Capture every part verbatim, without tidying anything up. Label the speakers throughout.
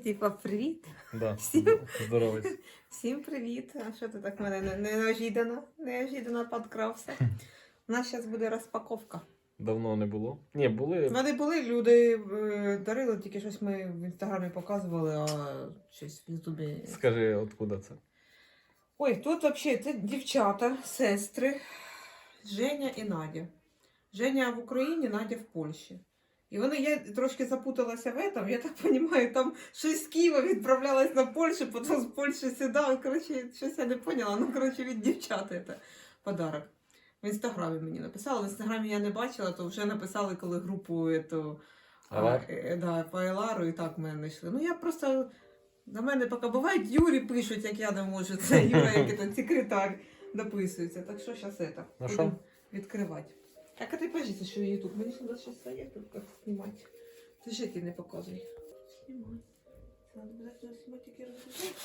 Speaker 1: типа, привіт.
Speaker 2: Да.
Speaker 1: Всім,
Speaker 2: Здоровий.
Speaker 1: всім привіт. А що ти так мене не- неожиданно, неожиданно підкрався? У нас зараз буде розпаковка.
Speaker 2: Давно не було. Ні, були.
Speaker 1: Вони були, люди е, дарили, тільки щось ми в інстаграмі показували, а щось в Ютубі.
Speaker 2: Скажи, откуда це?
Speaker 1: Ой, тут взагалі це дівчата, сестри, Женя і Надя. Женя в Україні, Надя в Польщі. І вони, я трошки запуталася в этом, я так розумію, там щось з Києва відправлялась на Польщу, потім з Польщі сюди. Коротше, щось я не поняла. Ну, коротше, від дівчат це подарок. В інстаграмі мені написали. В інстаграмі я не бачила, то вже написали, коли групу ету, а, е, да, по Елару і так мене знайшли. Ну я просто, на мене поки бувають, Юрі пишуть, як я не можу. Це Юра, як це, секретар, дописується. Так що зараз це,
Speaker 2: Ну,
Speaker 1: будемо
Speaker 2: що?
Speaker 1: відкривати. Так, а ти кажеться, що я тут. Мені ж треба зараз стоять, тут як знімати. Ти ж ти не показуй. Знімай. Це треба обов'язково знімати, тільки розглядай.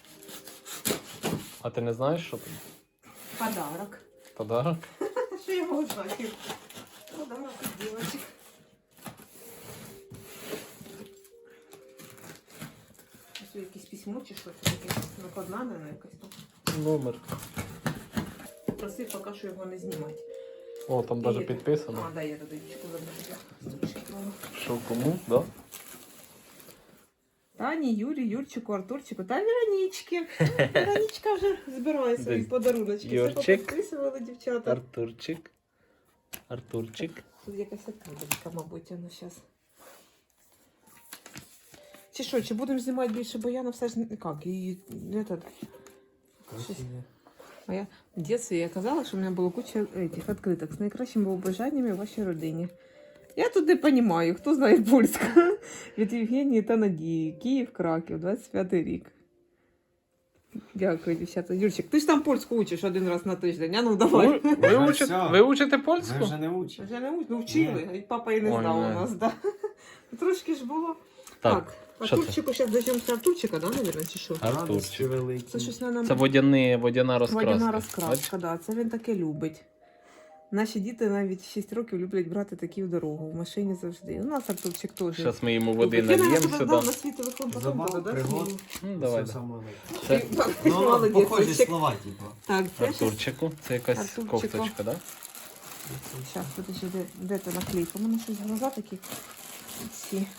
Speaker 2: А ти не знаєш, що там?
Speaker 1: Подарок.
Speaker 2: Подарок?
Speaker 1: Що я можу знати? Подарок від дівчинок. Ось якесь письмо чи що це таке? Накладна, не якась там.
Speaker 2: Номер.
Speaker 1: Просив поки що його не знімати.
Speaker 2: О, там навіть
Speaker 1: І-
Speaker 2: підписано.
Speaker 1: А, да, я туди дівчинку забула.
Speaker 2: Що кому, да?
Speaker 1: Тані, Юрі, Юрчику, Артурчику та Веронічки. Веронічка вже збирає свої
Speaker 2: Десь
Speaker 1: подаруночки. Все
Speaker 2: Юрчик.
Speaker 1: попідписували дівчата.
Speaker 2: Артурчик. Артурчик.
Speaker 1: Тут якась откриточка, мабуть, воно зараз. Чи що, чи будемо знімати більше, бо Яна все ж не як, і не так. А я в дитинстві я казала, що в мене було куча этих відкриток з найкращими побажаннями в вашій родині. Я тут не розумію, хто знає польську. Від Євгенії та Надії. Київ, Краків, двадцять п'ятий рік. Дякую, дівчата. Юрчик, ти ж там польську учиш один раз на тиждень, а ну давай.
Speaker 2: Ви, ви,
Speaker 3: Вже
Speaker 2: учите,
Speaker 3: все.
Speaker 2: ви учите
Speaker 3: Ми
Speaker 2: польську?
Speaker 3: вже не учимо.
Speaker 1: Вже не уч- ну, вчили, і папа і не
Speaker 2: Ой,
Speaker 1: знав у
Speaker 2: не.
Speaker 1: нас, да. Трошки ж було.
Speaker 2: Так, що це?
Speaker 1: Артурчику, зараз дождемося Артурчика, да, мабуть, чи що?
Speaker 2: Артурчик.
Speaker 1: Це щось на нам.
Speaker 2: Це водяні, водяна розкраска.
Speaker 1: Водяна
Speaker 2: Бачиш?
Speaker 1: розкраска, да, це він таке любить. Наші діти навіть шість років люблять брати такі в дорогу, в машині завжди. У нас Артурчик теж.
Speaker 2: Зараз ми йому води
Speaker 1: любить. Я,
Speaker 2: нальємо
Speaker 1: наверное,
Speaker 2: сюди.
Speaker 1: дав на світовий фонд потім
Speaker 3: Забав,
Speaker 1: буду, да?
Speaker 3: пригод.
Speaker 1: свою?
Speaker 2: Ну, давай.
Speaker 3: Все
Speaker 2: Да.
Speaker 3: саме.
Speaker 2: Це
Speaker 3: Ну,
Speaker 1: Молодець,
Speaker 3: похожі
Speaker 1: Юрчик.
Speaker 3: слова, типу.
Speaker 1: Так, це щось.
Speaker 2: Артурчику. Це якась
Speaker 1: Артурчику.
Speaker 2: кофточка, да?
Speaker 1: Зараз, подожди, де, де ти наклейка? У мене щось глаза такі. Ці.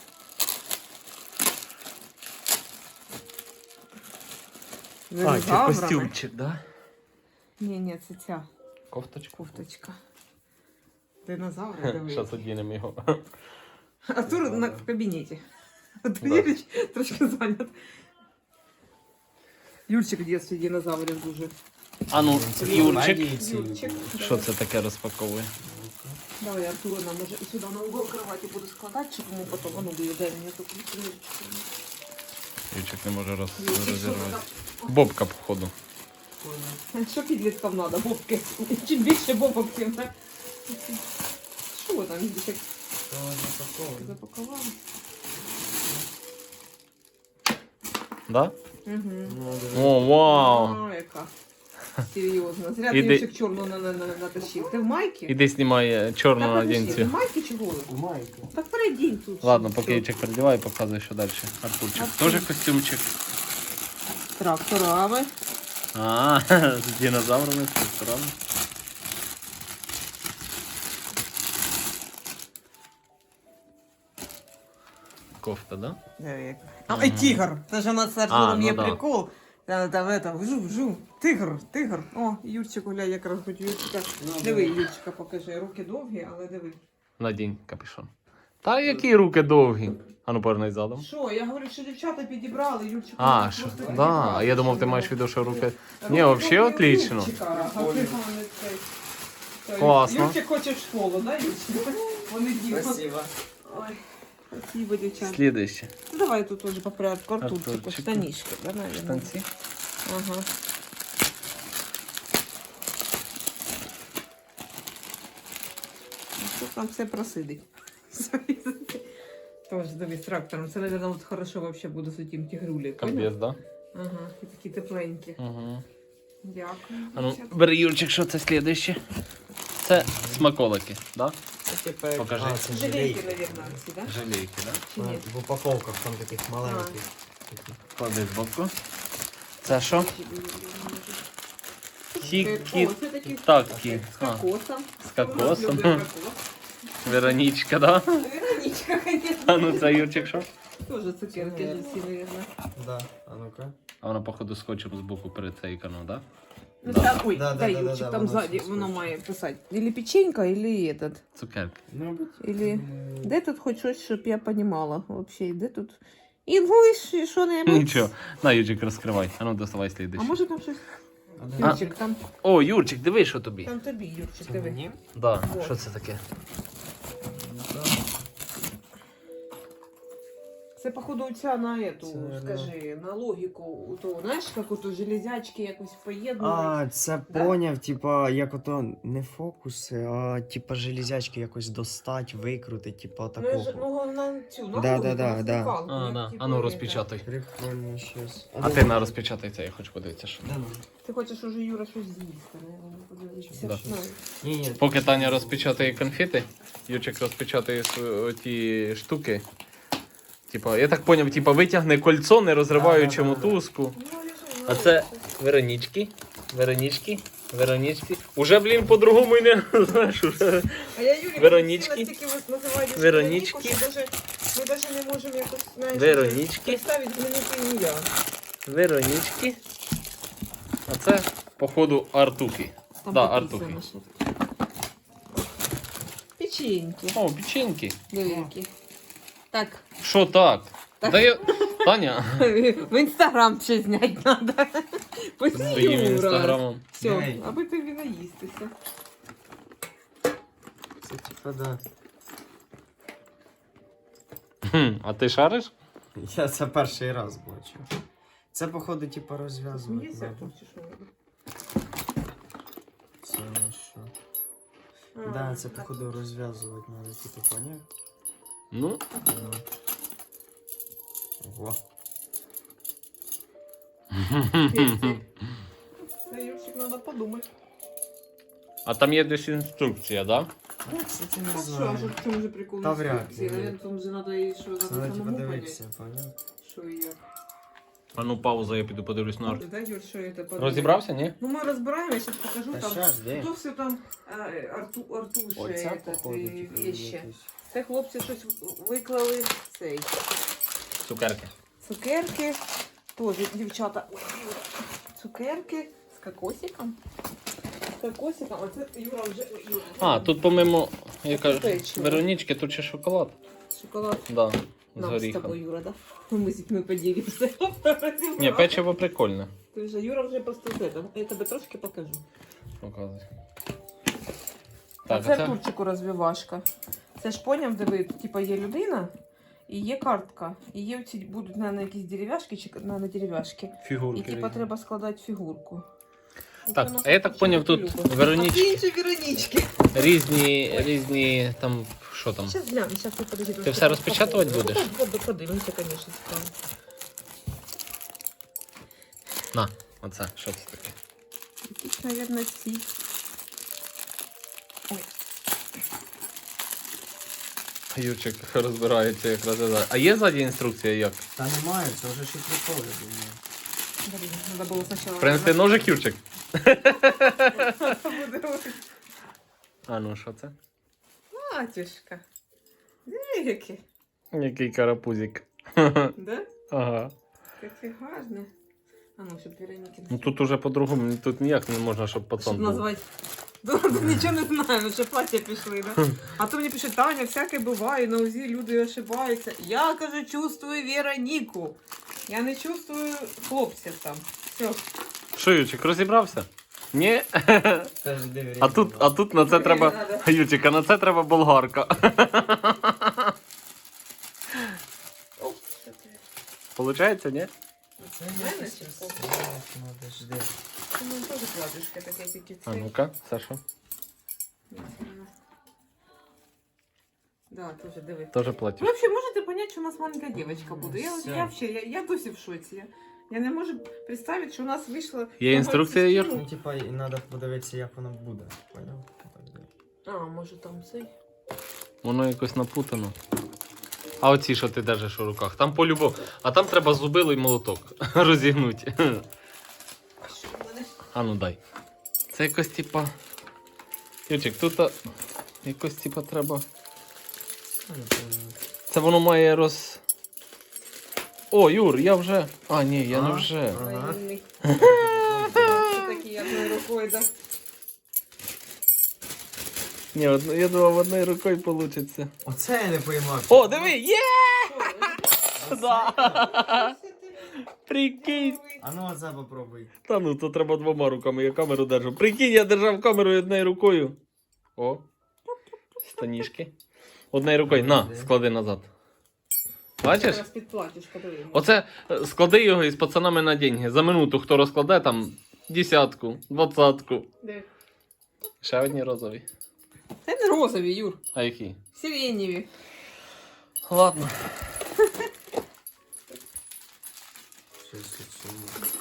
Speaker 2: А, це костюмчик, да?
Speaker 1: Ні, ні, це ця
Speaker 2: Кофточку.
Speaker 1: кофточка. Динозаври, диви.
Speaker 2: Зараз одінемо його.
Speaker 1: Артур на, в кабінеті. Артур
Speaker 2: Да.
Speaker 1: Юрійович трошки зайнят. Юрчик в дитинстві динозаврів дуже.
Speaker 2: А ну, Юрчик.
Speaker 1: Юрчик.
Speaker 2: Що це таке розпаковує?
Speaker 1: Давай, Артура нам може і сюди на угол кровати буду складати, щоб йому потім, а ну, буде, дай мені таку книжечку.
Speaker 2: Юрчик не може роз...
Speaker 1: Юрчик, що
Speaker 2: розірвати.
Speaker 1: там?
Speaker 2: Бобка, походу.
Speaker 1: Що підліткам треба? Бобки. Чим більше бобок, тим так. Що ви там дітей запакували?
Speaker 2: Да?
Speaker 1: Угу.
Speaker 2: О, вау!
Speaker 1: А, яка. Серйозно. Зря ти
Speaker 2: Іди.
Speaker 1: Юрчик чорну на- на- на- натащив. Ти в майці?
Speaker 2: Іди знімай чорну
Speaker 1: Та подожди, ти
Speaker 2: одінцю.
Speaker 1: в майці чи голий?
Speaker 3: У майку.
Speaker 1: Так передінь тут.
Speaker 2: Ладно,
Speaker 1: Все.
Speaker 2: поки Ючик передіває, показує, що далі. Артурчик.
Speaker 1: Артур.
Speaker 2: Тоже костюмчик.
Speaker 1: Тракторами.
Speaker 2: А, з динозаврами, з тракторами. Кофта, да?
Speaker 1: А, і тигр. Це ж у нас з
Speaker 2: А,
Speaker 1: Артуром
Speaker 2: ну
Speaker 1: є
Speaker 2: да.
Speaker 1: прикол. Там, там, это, вжу, вжу. Тигр, тигр. О, Юрчик гуляй, якраз хоч Юрчика. Диви, Юрчика покажи. Руки довгі, але диви.
Speaker 2: Надінь капюшон. Та які руки довгі. А ну повернись задом.
Speaker 1: Що, я говорю, що дівчата підібрали, Юрчик.
Speaker 2: А,
Speaker 1: просто
Speaker 2: що?
Speaker 1: підібрав,
Speaker 2: Да, а я думав, ти
Speaker 1: що
Speaker 2: маєш в
Speaker 1: його-
Speaker 2: виду, що руки...
Speaker 1: Руки
Speaker 2: Ні, вообще
Speaker 1: довгі у
Speaker 2: отлично.
Speaker 1: Юрчика, а ти вони цей. Той,
Speaker 2: Класно.
Speaker 1: Юрчик хоче в школу, да, Юрчик? Вони діти.
Speaker 3: Спасибо.
Speaker 1: Ой, спасибо, дівчата.
Speaker 2: Слідуще.
Speaker 1: Ну, давай тут уже по порядку. Артурчику,
Speaker 2: Артурчику.
Speaker 1: штанишки, да, наверное.
Speaker 2: Штанці.
Speaker 1: Ага. Ну, що там все просидить? Тоже дивись, трактором. Це, наверное, от хорошо вообще буде з тим тигрулі.
Speaker 2: Комбез, да?
Speaker 1: Ага, і такі тепленькі.
Speaker 2: Угу.
Speaker 1: Дякую.
Speaker 2: А ну,
Speaker 1: дівчата.
Speaker 2: бери, Юрчик, що це слідуще? Це смаколики, да?
Speaker 3: Типа,
Speaker 2: Покажи.
Speaker 3: А, це
Speaker 1: Жалейки,
Speaker 3: жалейки.
Speaker 1: наверное, ці, да?
Speaker 2: Жалейки, да?
Speaker 1: Чи ні?
Speaker 3: В упаковках там таких маленьких.
Speaker 2: Клади в боку. Це що? Тільки
Speaker 1: О, це такі
Speaker 2: такі.
Speaker 1: з кокосом.
Speaker 2: З кокосом.
Speaker 1: Люблю кокос.
Speaker 2: Веронічка, да?
Speaker 1: Вероничка, конечно.
Speaker 2: А ну це Юрчик що?
Speaker 1: Тоже цукерки же всі, наверное.
Speaker 3: Да, а ну-ка.
Speaker 2: А вона, походу, скотчем з боку перецейкано, да?
Speaker 1: Ну,
Speaker 2: Да.
Speaker 1: там, ой,
Speaker 3: Да, да,
Speaker 1: дай,
Speaker 3: да, да,
Speaker 1: Юрчик,
Speaker 3: да,
Speaker 1: там
Speaker 3: воно
Speaker 1: сзади,
Speaker 3: все
Speaker 1: воно
Speaker 3: скотч.
Speaker 1: має писати. Или печенька, или этот.
Speaker 2: Цукерки.
Speaker 3: Мабуть.
Speaker 1: Или... Де тут хоч щось, щоб я понімала вообще, де тут? Інглиш, і що-небудь?
Speaker 2: Нічого. На, Юрчик, розкривай. А ну, доставай
Speaker 1: А
Speaker 2: слідуючий.
Speaker 1: може там щось?
Speaker 3: А,
Speaker 1: Юрчик, там,
Speaker 2: О, Юрчик, диви, що тобі.
Speaker 1: там тобі, Юрчик,
Speaker 3: це
Speaker 1: диви.
Speaker 3: мені?
Speaker 2: Да,
Speaker 1: Вот.
Speaker 2: що це таке?
Speaker 3: Да.
Speaker 1: Це, походу, ця на эту,
Speaker 3: Це, да.
Speaker 1: скажи, на логіку, то, знаєш, як ото железячки якось поєднують.
Speaker 3: А, це
Speaker 1: Да?
Speaker 3: поняв, типа, як ото не фокуси, а типа железячки якось достать, викрутить, типа
Speaker 1: Ну, я ж-
Speaker 3: такого.
Speaker 1: ну, на цю, на
Speaker 3: Да,
Speaker 1: логіку,
Speaker 3: да, да,
Speaker 1: на
Speaker 3: да.
Speaker 1: скакалку,
Speaker 2: А,
Speaker 1: як,
Speaker 2: да.
Speaker 1: типу,
Speaker 2: А ну,
Speaker 1: это.
Speaker 2: розпечатай.
Speaker 3: Прикольно щось.
Speaker 2: А ти на розпечатай це, я хочу подивитися, що.
Speaker 3: Да, ну.
Speaker 1: Ти хочеш уже, Юра, щось з'їсти, наверное, подивитися.
Speaker 2: Да.
Speaker 1: Ну,
Speaker 3: Ні, ні.
Speaker 2: Поки Таня розпечатає конфети, Юрчик розпечатає св- ті штуки. Типа, я так поняв, типа витягне кольцо, не розриваючи
Speaker 3: Да, да, да, да.
Speaker 2: мотузку.
Speaker 1: ну, я ж
Speaker 2: А
Speaker 1: знаю,
Speaker 2: це
Speaker 1: що-
Speaker 2: Веронічки, Веронічки, Веронічки. Уже, блін, по-другому і не знаєш, уже.
Speaker 1: А я Юрі
Speaker 2: Веронічки.
Speaker 1: настільки от називаю
Speaker 2: Веронічки.
Speaker 1: Вероніку, що даже, ми навіть не можемо якось, знаєш,
Speaker 2: Веронічки.
Speaker 1: представити знамените ім'я.
Speaker 2: Веронічки. А це, походу, Артухи.
Speaker 1: Там
Speaker 2: Да,
Speaker 1: написано,
Speaker 2: Артухи.
Speaker 1: що. Печеньки.
Speaker 2: О, печеньки.
Speaker 1: Великі. Так,
Speaker 2: Що так?
Speaker 1: Так.
Speaker 2: Да я... Таня,
Speaker 1: в інстаграм ще зняти треба.
Speaker 2: своїм
Speaker 1: Юра.
Speaker 2: інстаграмом.
Speaker 1: Все,
Speaker 3: Ей.
Speaker 1: аби тобі наїстися.
Speaker 3: Це типа, да.
Speaker 2: Хм, а ти шариш?
Speaker 3: Я це перший раз бачу. Це, походу, типа розв'язувати.
Speaker 1: Смієшся,
Speaker 3: надо.
Speaker 1: чи що?
Speaker 3: Це на що?
Speaker 1: А,
Speaker 3: Да, це,
Speaker 1: так.
Speaker 3: походу, розв'язувати надо, типа, поняв?
Speaker 2: Ну,
Speaker 3: Ну. Ого.
Speaker 1: Це, Юрчик, треба подумати.
Speaker 2: а там є десь інструкція, да?
Speaker 3: Ну, кстати, не
Speaker 1: А що, а
Speaker 3: знаю.
Speaker 1: що, в чому же прикол
Speaker 3: Та вряд
Speaker 1: інструкції?
Speaker 3: ли.
Speaker 1: Наверное, там же треба і що,
Speaker 3: Це
Speaker 1: треба
Speaker 3: надо, типа,
Speaker 1: самому
Speaker 3: дивитися,
Speaker 1: понять,
Speaker 3: поняв?
Speaker 1: що і як.
Speaker 2: А ну пауза, я піду подивлюсь на арт.
Speaker 1: Да, Юр, що це? подумай.
Speaker 2: Розібрався, ні?
Speaker 1: Ну, ми розбираємо, я зараз покажу
Speaker 3: Та
Speaker 1: там.
Speaker 3: щас, де?
Speaker 1: То все там а, Арту, Артуше,
Speaker 3: Оця,
Speaker 1: этот,
Speaker 3: походу,
Speaker 1: і
Speaker 3: типу,
Speaker 1: вещи.
Speaker 3: якось.
Speaker 1: Це хлопці щось виклали цей.
Speaker 2: Цукерки.
Speaker 1: Цукерки. Тоже дівчата. Ой, Юра. Цукерки з кокосиком. З кокосиком. А це Юра вже. Ой, Юра.
Speaker 2: А, тут помимо, я кажу,
Speaker 1: Печиво.
Speaker 2: Веронічки, тут ще шоколад.
Speaker 1: Шоколад.
Speaker 2: Да, з
Speaker 1: Нам з
Speaker 2: горіхом.
Speaker 1: тобою, Юра, да? Ми з дітьми поділимося.
Speaker 2: Ні, печиво прикольне.
Speaker 1: Ти вже, Юра вже просто це. Я тебе трошки покажу.
Speaker 2: Показуй.
Speaker 1: А
Speaker 2: Так,
Speaker 1: це
Speaker 2: а це
Speaker 1: Артурчику розвивашка. Це ж поняв, де ви, типа, є людина і є картка. І є оці будуть на, на якісь дерев'яшки чи на, на дерев'яшки. І
Speaker 2: фігурки.
Speaker 1: типа
Speaker 2: різні.
Speaker 1: треба складати фігурку.
Speaker 2: Так,
Speaker 1: Оце у нас
Speaker 2: а я так
Speaker 1: Артурчик
Speaker 2: поняв, тут
Speaker 1: любить.
Speaker 2: Вероніч-
Speaker 1: А це інші Веронічки.
Speaker 2: Різні, різні, там, що там?
Speaker 1: Зараз глянь, зараз ти подожди.
Speaker 2: Ти все розпечатувати будеш?
Speaker 1: Буду, подивимося, звісно, цікаво.
Speaker 2: На, оце, що це таке?
Speaker 1: Якісь, мабуть, ці. Ой,
Speaker 2: Юрчик розбирається, як розглядає. А є ззаді інструкція як?
Speaker 3: Та немає, це вже ще приколи, думаю.
Speaker 1: блін, треба було спочатку.
Speaker 2: Принести ножик, Юрчик?
Speaker 1: Буде ось.
Speaker 2: А ну, що це?
Speaker 1: Батюшка. Диви, яке.
Speaker 2: Який карапузик.
Speaker 1: Да?
Speaker 2: Ага.
Speaker 1: Яке гарне. А ну, щоб Вероніки.
Speaker 2: Ну тут уже по-другому, тут ніяк не можна, щоб
Speaker 1: Щоб
Speaker 2: пацан був.
Speaker 1: назвати. Тут нічого не знаємо, що плаття пішли, да? А то мені пише, Таня, всяке буває, на УЗІ люди ошибаються. Я, кажу, чувствую Вероніку. Я не чувствую хлопців там. Все.
Speaker 2: Що, Юрчик, розібрався? Ні?
Speaker 3: Теж диви.
Speaker 2: А тут, а тут на це треба. Юрчик, а на це треба болгарка.
Speaker 1: Оп, що ти?
Speaker 2: Получається, ні?
Speaker 3: Це
Speaker 1: Мене
Speaker 3: якось
Speaker 1: чи
Speaker 3: щас
Speaker 1: що?
Speaker 3: надо, жди.
Speaker 1: Ну, теж кладушка таке, тільки
Speaker 2: А
Speaker 1: це.
Speaker 2: ну-ка, це що?
Speaker 1: Да, тоже диви.
Speaker 2: Теж
Speaker 1: Ви
Speaker 2: платиш.
Speaker 1: взагалі можете понять, що у нас маленька дівчинка буде? Я,
Speaker 3: Все.
Speaker 1: я, вообще, я, я досі в шоці. Я, я не можу представити, що у нас вийшло...
Speaker 2: Є інструкція, Юр?
Speaker 3: Ну, типа, і треба подивитися, як воно буде. Поняв? Так, диви.
Speaker 1: А, може там цей?
Speaker 2: Воно якось напутано. А оці, що ти держиш у руках, там по-любому. А там треба зубило і молоток розігнути.
Speaker 1: Що в мене?
Speaker 2: А ну дай. Це якось типа. Ючик, тут а, якось типа треба. Це воно має роз. О, Юр, я вже. А, ні, я не
Speaker 3: А?
Speaker 2: вже.
Speaker 3: Ага.
Speaker 1: Вільний. Це такі одною рукою, да?
Speaker 2: Ні, одно- я думав, одною рукою вийде.
Speaker 3: Оце я не поймав.
Speaker 2: О, диви, є!
Speaker 1: Що,
Speaker 2: Да.
Speaker 1: ось це
Speaker 2: Прикинь.
Speaker 1: ти?
Speaker 3: А ну оце попробуй.
Speaker 2: Та ну, то треба двома руками, я камеру держу. Прикинь, я держав камеру однією рукою. О, станішки. Однією рукою. На, склади назад. Бачиш?
Speaker 1: Зараз під платіжко, диви.
Speaker 2: Оце е, склади його із пацанами на деньги. За минуту хто розкладе там десятку, двадцятку.
Speaker 1: Де?
Speaker 2: Ще одні розові.
Speaker 1: Це не розові, Юр.
Speaker 2: А які?
Speaker 1: Сиренєві.
Speaker 2: Ладно.
Speaker 3: Щось оце.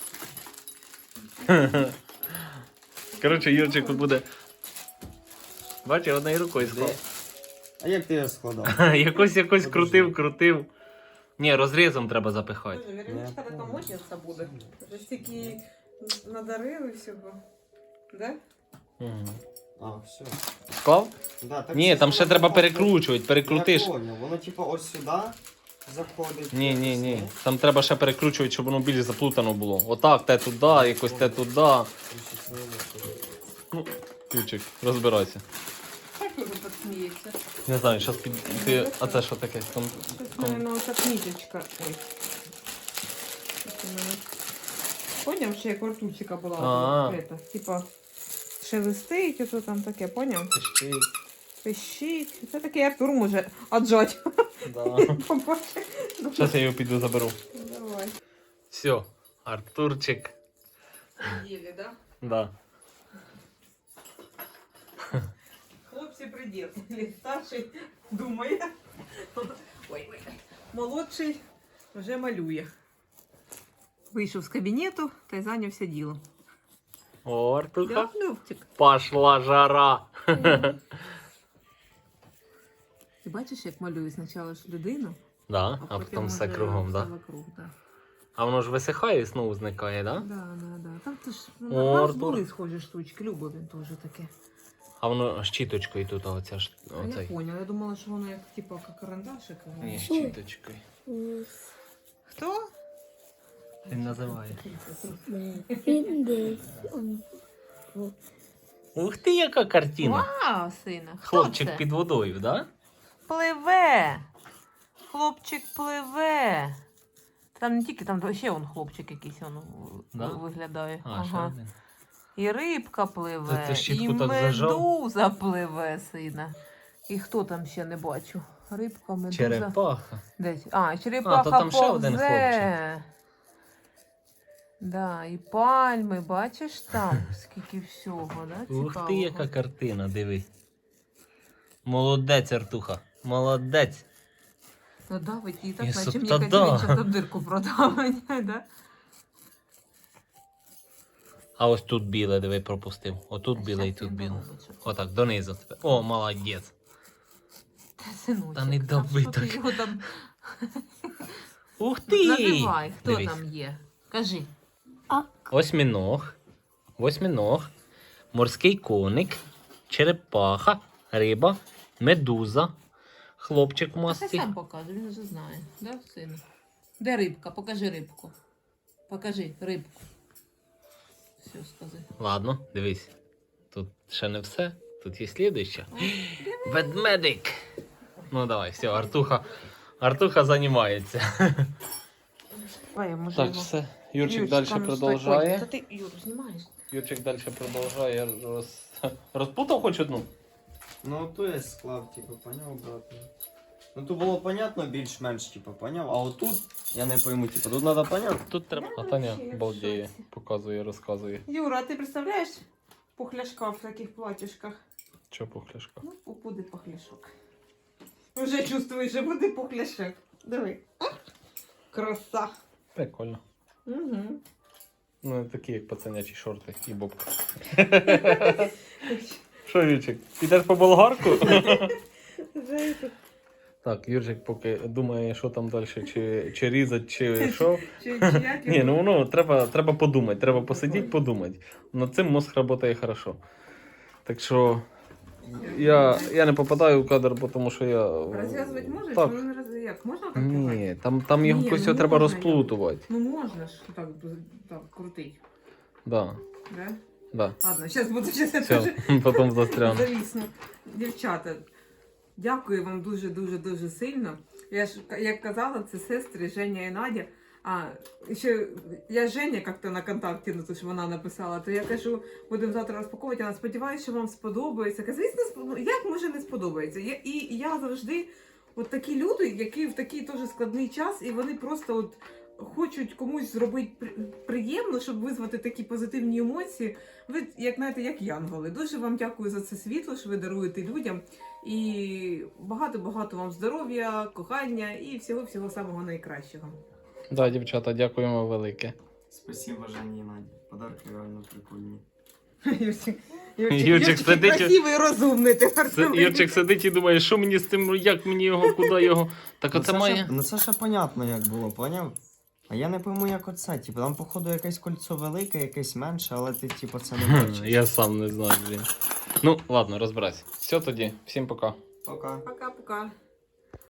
Speaker 2: Коротше, Юрчик буде. Бачиш, однією рукою склав.
Speaker 3: А як ти його складав?
Speaker 2: Якось якось крутив, крутив. Ні, розрізом треба запихати.
Speaker 1: Боже, Вероничка така модниця буде. Вже стільки надарили всього. Да?
Speaker 2: Угу.
Speaker 3: А, все.
Speaker 2: Склав?
Speaker 3: Да, так
Speaker 2: Ні,
Speaker 3: це
Speaker 2: там ще
Speaker 3: воно
Speaker 2: треба
Speaker 3: заходить.
Speaker 2: перекручувати, перекрутиш.
Speaker 3: Я понял. Воно типу ось сюди заходить.
Speaker 2: Ні, ні,
Speaker 3: ось,
Speaker 2: ні. Там треба ще перекручувати, щоб воно більш заплутано було. Отак, те туди, якось те туди.
Speaker 3: Ось ось воно заходить.
Speaker 2: Ну, Ючик, розбирайся.
Speaker 1: Так Юр так сміється.
Speaker 2: Не знаю, зараз під. Ти... А це що таке? Кон...
Speaker 1: Щось,
Speaker 2: кон...
Speaker 1: мабуть, оця книжечка. Ой. Щось у мене. Поняв, ще як у ртутчика була.
Speaker 2: А.
Speaker 1: Это, типа, шелестить, ото там таке, поняв?
Speaker 2: Пищить.
Speaker 1: Пищить. Це такий Артур може отжать.
Speaker 2: Да.
Speaker 1: Побачиш?
Speaker 2: Зараз я його піду заберу.
Speaker 1: Давай.
Speaker 2: Все, Артурчик.
Speaker 1: Єлі, да?
Speaker 2: Да.
Speaker 1: Хлопці придержали. Старший думає. Ой, ой. Молодший вже малює. Вийшов з кабінету та й зайнявся ділом.
Speaker 2: О, Артуха.
Speaker 1: Да, Любчик.
Speaker 2: Пошла жара.
Speaker 1: Ти бачиш, як малює спочатку ж людину,
Speaker 2: Да, а потім все
Speaker 1: уже
Speaker 2: кругом,
Speaker 1: все
Speaker 2: да?
Speaker 1: вокруг, да.
Speaker 2: А воно ж висихає і знову зникає, да?
Speaker 1: Да, да, да. Там то ж
Speaker 2: О,
Speaker 1: у нас
Speaker 2: Артур.
Speaker 1: були схожі штучки, Люба він теж таке.
Speaker 2: А воно щіточкою тут оця ж.
Speaker 1: А я
Speaker 2: Оцей.
Speaker 1: поняла, я думала, що воно як типу як карандашик.
Speaker 2: Ні, щіточкою.
Speaker 1: Хто?
Speaker 2: Він називає.
Speaker 4: Він десь. он-
Speaker 2: Ух ти, яка картина.
Speaker 1: Вау, сина. Хто
Speaker 2: Хлопчик
Speaker 1: це?
Speaker 2: під водою, да?
Speaker 1: Пливе. Хлопчик пливе. Там не тільки, там ще он хлопчик якийсь он
Speaker 2: Да?
Speaker 1: виглядає.
Speaker 2: А, ще
Speaker 1: ага.
Speaker 2: один.
Speaker 1: І рибка пливе,
Speaker 2: Та ти щітку
Speaker 1: і
Speaker 2: так зажав?
Speaker 1: медуза пливе, сина. І хто там ще не бачу? Рибка, медуза.
Speaker 2: Черепаха.
Speaker 1: Десь. А, черепаха
Speaker 2: А, то там ще один
Speaker 1: повзе. Да, і пальми, бачиш там, скільки всього, да?
Speaker 2: Ух
Speaker 1: цікавого.
Speaker 2: ти, яка картина, диви. Молодець, Артуха. Молодець.
Speaker 1: Ну давить її
Speaker 2: І
Speaker 1: так, наче
Speaker 2: су-
Speaker 1: мені
Speaker 2: та
Speaker 1: якась
Speaker 2: да.
Speaker 1: дівчата дирку продавить, да?
Speaker 2: А ось тут біле, диви, пропустив. Отут біле і
Speaker 1: Щас
Speaker 2: тут
Speaker 1: він
Speaker 2: біле.
Speaker 1: доробить, щоб-
Speaker 2: Отак, донизу тебе. О, молодець.
Speaker 1: Та, синочок,
Speaker 2: Та не
Speaker 1: а
Speaker 2: дави
Speaker 1: що ти
Speaker 2: так.
Speaker 1: його там...
Speaker 2: Ух ти!
Speaker 1: Називай, хто
Speaker 2: Дивись.
Speaker 1: там є? Кажи.
Speaker 2: Осьміног, восьминог, морський коник, черепаха, риба, медуза, хлопчик в
Speaker 1: Та хай
Speaker 2: масці.
Speaker 1: сам покаже, він вже знає. Да, сину? Де рибка? Покажи рибку. Покажи рибку. Все, скажи.
Speaker 2: Ладно, дивись. Тут ще не все. Тут є слідуюча. Ведмедик. Ну давай, все, Артуха. Артуха займається.
Speaker 1: Давай, я може
Speaker 2: Так,
Speaker 1: його...
Speaker 2: все. Юрчик
Speaker 1: Юрчик,
Speaker 2: далі
Speaker 1: там ж
Speaker 2: продовжує.
Speaker 1: Та ти, Юр, знімаєш?
Speaker 2: Юрчик далі продовжує. Роз... Розпутав хоч одну?
Speaker 3: Ну то я склав, типу, поняв обратно. Ну тут було понятно більш-менш, типу, поняв, а отут я не пойму, типу, тут треба поняти.
Speaker 2: Тут треба. А
Speaker 1: Я
Speaker 2: Таня
Speaker 1: вообще в
Speaker 2: балдіє,
Speaker 1: шоці.
Speaker 2: показує, розказує.
Speaker 1: Юра, а ти представляєш пухляшка в таких платьишках?
Speaker 2: Що пухляшка?
Speaker 1: Ну, буде пухляшок. Вже чувствуєш, що буде пухляшок. Диви. А? Краса.
Speaker 2: Прикольно.
Speaker 1: Угу.
Speaker 2: Ну, такі, як пацанячі шорти і бобка. Що, Вічик, підеш по болгарку? Так, Юрчик поки думає, що там далі, чи, чи різати, чи що.
Speaker 1: Чи, чи як
Speaker 2: Ні,
Speaker 1: його?
Speaker 2: ну воно треба, треба подумати, треба посидіти, подумати. Над цим мозг працює хорошо. Так що я, я не попадаю в кадр, бо тому що я.
Speaker 1: Розв'язувати можеш?
Speaker 2: Так.
Speaker 1: Ну, не роз... як? Можна так
Speaker 2: Ні,
Speaker 1: рвати?
Speaker 2: там, там його
Speaker 1: Ні,
Speaker 2: якось
Speaker 1: ну
Speaker 2: треба
Speaker 1: можна
Speaker 2: розплутувати.
Speaker 1: Ну можна ж так, так крутить.
Speaker 2: Да,
Speaker 1: Да?
Speaker 2: да.
Speaker 1: Ладно, зараз буду щас я
Speaker 2: Все,
Speaker 1: теж
Speaker 2: потім застряну.
Speaker 1: завісну. Дівчата, дякую вам дуже-дуже-дуже сильно. Я ж, як казала, це сестри Женя і Надя. А, ще я Женя як-то на контакті, ну то що вона написала, то я кажу, будемо завтра розпаковувати, вона сподіваюся, що вам сподобається. Кажу, звісно, спо- як може не сподобається? Я, і я завжди, от такі люди, які в такий теж складний час, і вони просто от хочуть комусь зробити при- приємно, щоб визвати такі позитивні емоції. Ви, як знаєте, як янголи. Дуже вам дякую за це світло, що ви даруєте людям. І багато-багато вам здоров'я, кохання і всього-всього самого найкращого.
Speaker 2: Да, дівчата, дякуємо велике.
Speaker 3: Спасибо, Жені і Наді. Подарки реально прикольні.
Speaker 1: Юрчик,
Speaker 2: Юрчик сидить-
Speaker 1: красивий і розумний тепер.
Speaker 2: Це, Юрчик сидить і думає, що мені з цим, як мені його, куди його. Так
Speaker 3: Ну,
Speaker 2: оце
Speaker 3: це
Speaker 2: має.
Speaker 3: ще- Ну це ще понятно, як було, поняв? А я не пойму, як оце. Типу, там, походу, якесь кольцо велике, якесь менше, але ти, типу, це не бачиш.
Speaker 2: Я сам не знаю, блін. Ну, ладно, розбирайся. Все тоді, всім пока.
Speaker 3: Пока.
Speaker 1: Пока-пока.